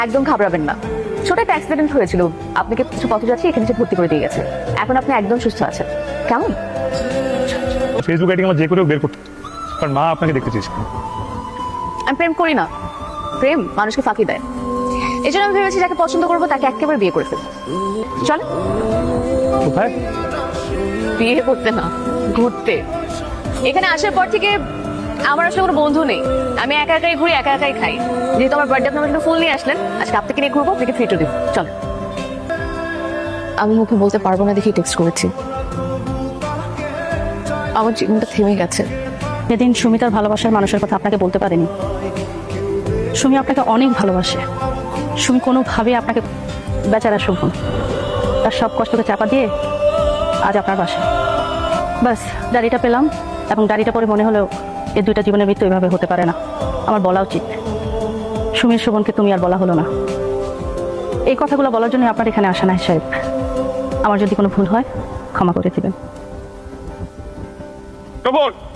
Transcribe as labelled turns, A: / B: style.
A: একদম ঘাবড়াবেন না, ছোট একটা অ্যাক্সিডেন্ট হয়েছিল, আপনাকে কিছু পথযাত্রী এখানে এসে ভর্তি করে দিয়ে গেছে। এখন আপনি একদম সুস্থ আছেন। কেমন?
B: ফেসবুক আইডি আমার যে করে বের করতে, কারণ মা আপনাকে দেখতে চেয়েছে।
A: আমি প্রেম করি না, প্রেম মানুষকে ফাঁকি দেয়। এই জন্য আমি ভেবেছি যাকে পছন্দ করবো তাকে একেবারে বিয়ে করে ফেলবো। চলে
B: কোথায়?
A: বিয়ে করতে না, ঘুরতে। এখানে আসার পর থেকে আমার আসলে কোনো বন্ধু নেই, আমি একা একাই ঘুরি, একা একাই খাই। যেহেতু আমার বার্থডে আপনার জন্য ফুল নিয়ে আসলেন, আজকে আপনাকে নিয়ে ঘুরবো, আপনাকে ফ্রিটও দিব। চল। আমি মুখে বলতে পারবো না দেখি টেক্সট করেছি। আমার জীবনটা থেমে গেছে।
C: সেদিন সুমি তার ভালোবাসার মানুষের কথা আপনাকে বলতে পারেনি। সুমি আপনাকে অনেক ভালোবাসে। সুমি কোনোভাবে আপনাকে, বেচারা শুভন তার সব কষ্টকে চাপা দিয়ে আজ আপনার বাসায়। বাস ডায়েরিটা পেলাম এবং ডায়েরিটা পরে মনে হলো এই দুইটা জীবনের মৃত্যু এভাবে হতে পারে না। আমার বলা উচিত। সুমির শোভনকে তুমি আর বলা হলো না। এই কথাগুলো বলার জন্য আপনার এখানে আসা নাই সাহেব। আমার যদি কোনো ভুল হয় ক্ষমা করে দিবেন।
B: শোভন!